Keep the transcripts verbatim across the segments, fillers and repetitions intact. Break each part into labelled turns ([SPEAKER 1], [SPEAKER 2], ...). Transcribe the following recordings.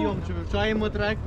[SPEAKER 1] знайомі, чи вивчаємо трек.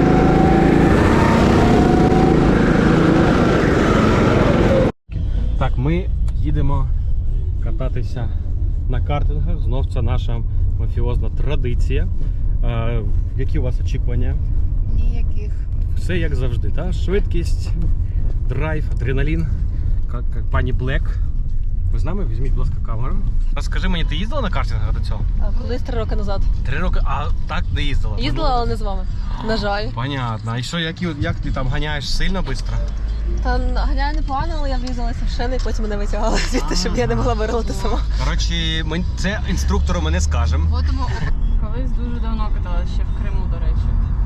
[SPEAKER 1] Так, ми їдемо кататися на картингах. Знов це наша мафіозна традиція. А, які у вас очікування?
[SPEAKER 2] Ніяких.
[SPEAKER 1] Все як завжди, та? Швидкість, драйв, адреналін. Як, як пані Блек. Ви з нами? Візьміть, будь ласка, камеру. Розкажи мені, ти їздила на картингах до цього?
[SPEAKER 3] А колись три роки назад.
[SPEAKER 1] Три роки, а так не їздила?
[SPEAKER 3] Їздила, але не з вами. На жаль.
[SPEAKER 1] Понятно. І що, як, як ти там ганяєш сильно швидко?
[SPEAKER 3] Та ганяю непогано, але я врізалася в шини і потім мене витягали звідти, щоб я не могла вирвати сама.
[SPEAKER 1] Коротше, ми це інструктору ми не скажемо.
[SPEAKER 2] Колись дуже давно каталася, ще в Криму, до речі.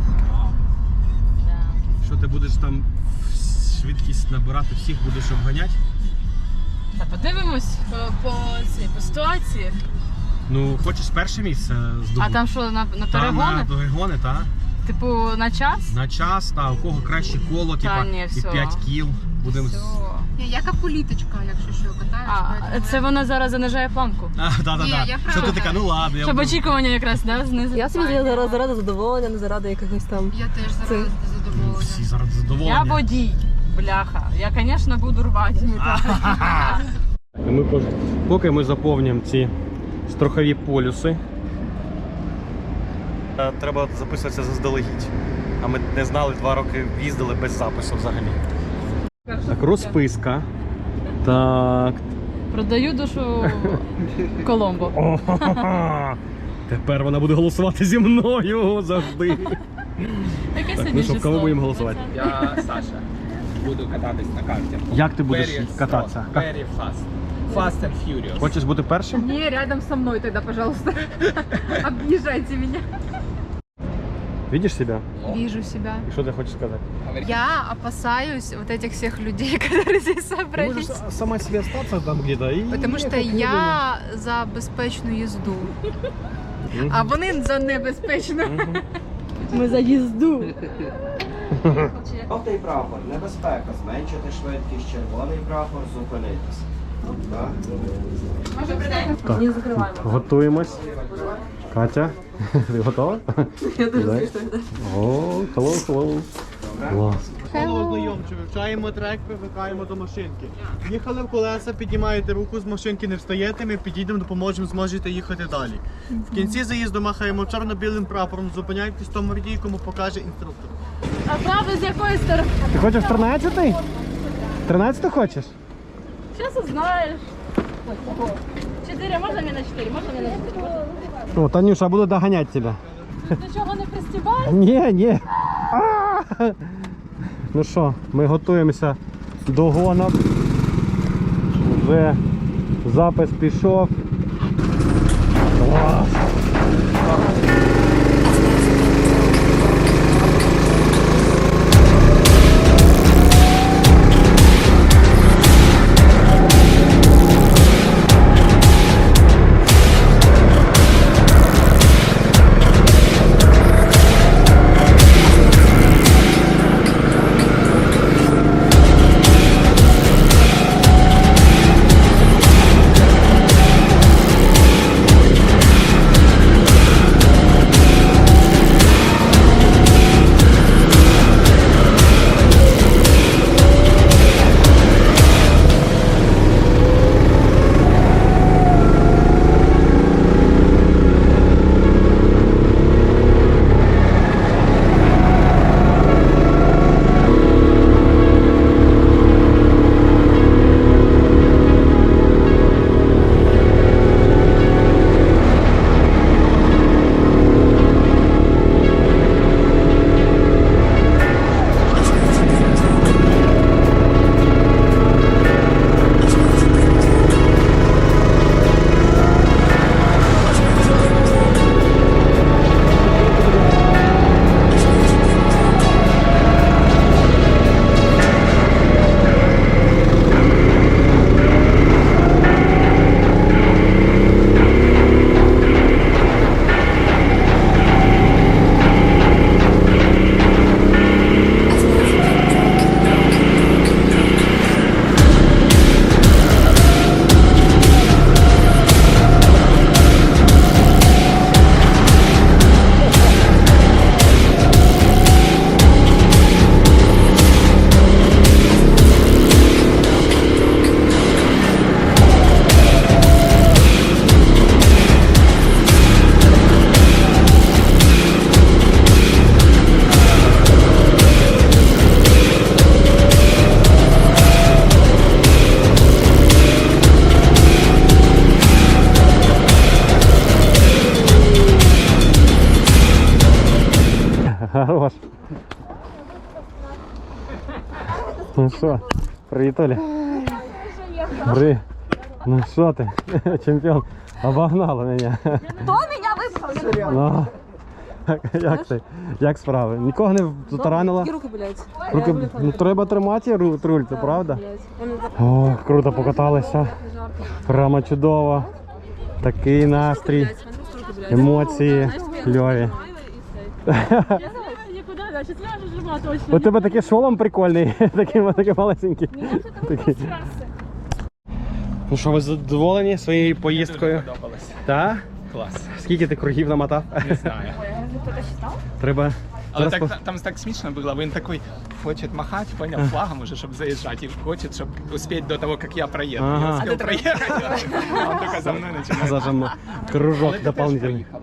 [SPEAKER 2] Да.
[SPEAKER 1] Що ти будеш там швидкість набирати, всіх будеш обганяти?
[SPEAKER 2] Та подивимось по, по, цій, по ситуації.
[SPEAKER 1] Ну, хочеш перше місце здобути?
[SPEAKER 2] А там що, на, на
[SPEAKER 1] Та,
[SPEAKER 2] перегони?
[SPEAKER 1] на перегони, так.
[SPEAKER 2] Типу на час?
[SPEAKER 1] На час, та, у кого краще коло, типа,
[SPEAKER 2] ні,
[SPEAKER 1] і
[SPEAKER 2] все.
[SPEAKER 1] п'ять кіл. Будемо...
[SPEAKER 2] Все.
[SPEAKER 4] Ні, яка політичка, якщо що, катаєш.
[SPEAKER 2] А, це вона зараз занижає планку.
[SPEAKER 1] А, да, да,
[SPEAKER 4] Ні,
[SPEAKER 1] да.
[SPEAKER 4] я
[SPEAKER 1] Що ти
[SPEAKER 4] правда.
[SPEAKER 1] така, ну ладно. Я
[SPEAKER 2] Щоб
[SPEAKER 1] буду...
[SPEAKER 2] очікування якраз, да, знизити.
[SPEAKER 3] Я собі заради, заради задоволення, не заради якихось там.
[SPEAKER 4] Я теж
[SPEAKER 3] Це-
[SPEAKER 4] заради задоволення.
[SPEAKER 1] Всі зараз задоволені.
[SPEAKER 2] Я водій, бляха. Я, звісно, буду рвати.
[SPEAKER 1] Ми, пож- поки ми заповнюємо ці страхові полюси, е, треба записуватися заздалегідь. А ми не знали, два роки їздили без запису взагалі. Так, розписка. Так.
[SPEAKER 2] Продаю душу Коломбо.
[SPEAKER 1] О-ха-ха-ха. Тепер вона буде голосувати зі мною завжди.
[SPEAKER 2] Яке
[SPEAKER 1] Так,
[SPEAKER 2] сьогодні
[SPEAKER 1] ну що, в
[SPEAKER 2] число?
[SPEAKER 1] кого будемо голосувати?
[SPEAKER 5] Я Саша. Буду кататись на карті.
[SPEAKER 1] Як ти будеш
[SPEAKER 5] Very
[SPEAKER 1] кататися?
[SPEAKER 5] strong, Very fast. Fast and furious.
[SPEAKER 1] Хочеш бути першим?
[SPEAKER 4] Не, рядом со мной тогда, пожалуйста. Объезжайте меня.
[SPEAKER 1] Видиш себе?
[SPEAKER 4] Вижу себя.
[SPEAKER 1] І що ти хочеш сказати?
[SPEAKER 4] Я опасаюсь вот этих всех людей, которые здесь
[SPEAKER 1] Ти
[SPEAKER 4] собрались.
[SPEAKER 1] можеш сама себе остатися там где-то і...
[SPEAKER 4] Потому что я за безпечну їзду,
[SPEAKER 1] Мгм.
[SPEAKER 4] а вони за небезпечну.
[SPEAKER 3] Ми за їзду.
[SPEAKER 6] Жовтий прапор, небезпека, зменшити швидкість, червоний прапор, зупинитись. Так?
[SPEAKER 3] Не закриваємо.
[SPEAKER 1] Готуємось. Катя, ти готова?
[SPEAKER 3] Я дуже
[SPEAKER 1] Дай.
[SPEAKER 3] звісно.
[SPEAKER 1] О, hello, hello. Клас.
[SPEAKER 7] Hello, знайомче, вивчаємо трек, привикаємо до машинки. Їхали в колеса, піднімаєте руку з машинки, не встаєте, ми підійдемо, допоможемо, зможете їхати далі. В кінці заїзду махаємо чорно-білим прапором, зупиняйтесь в тому водії, кому покаже інструктор.
[SPEAKER 2] А правда з якої сторони?
[SPEAKER 1] Ти хочеш тринадцятий? тринадцятий хочеш?
[SPEAKER 2] Зараз узнаєш. Чотири, можна мені на чотири? Можна мені на чотири?
[SPEAKER 1] О, Танюша, буду доганяти тебе.
[SPEAKER 2] До чого не пристібаєш?
[SPEAKER 1] Ні, ні. А! Ну що, ми готуємося до гонок. Вже запис пішов. Клас! Хорош. Ну що, привіт, Оля. Привіт. Ну що ти, чемпіон, обогнала мене.
[SPEAKER 3] Хто мене випав?
[SPEAKER 1] Ну, як ти? Як справи? Нікого не затаранила?
[SPEAKER 3] І руки болять.
[SPEAKER 1] Руки, ну, треба тримати руль, руль, це правда? О, круто покаталися. Прямо чудово. Такий настрій, емоції кльові.
[SPEAKER 2] Нікуди, значить, я вже жива точно.
[SPEAKER 1] У тебе такий шолом прикольний, такий, такий малесенький. Такий. Ну що, ви задоволені своєю поїздкою?
[SPEAKER 5] Подобалось.
[SPEAKER 1] Так?
[SPEAKER 5] Клас.
[SPEAKER 1] Скільки ти кругів намотав?
[SPEAKER 5] Не знаю.
[SPEAKER 1] Треба.
[SPEAKER 5] Але
[SPEAKER 1] зараз
[SPEAKER 5] так, там так смішно було, він такий хоче махати, поняв, флагом уже, щоб заїжджати, і хоче, щоб успіти до того, як я проїду.
[SPEAKER 1] Ага.
[SPEAKER 5] Я успів проїхати, а він тільки за мною починає.
[SPEAKER 1] зажимо кружок
[SPEAKER 5] Але ти теж
[SPEAKER 1] дополнительний.
[SPEAKER 5] проїхав.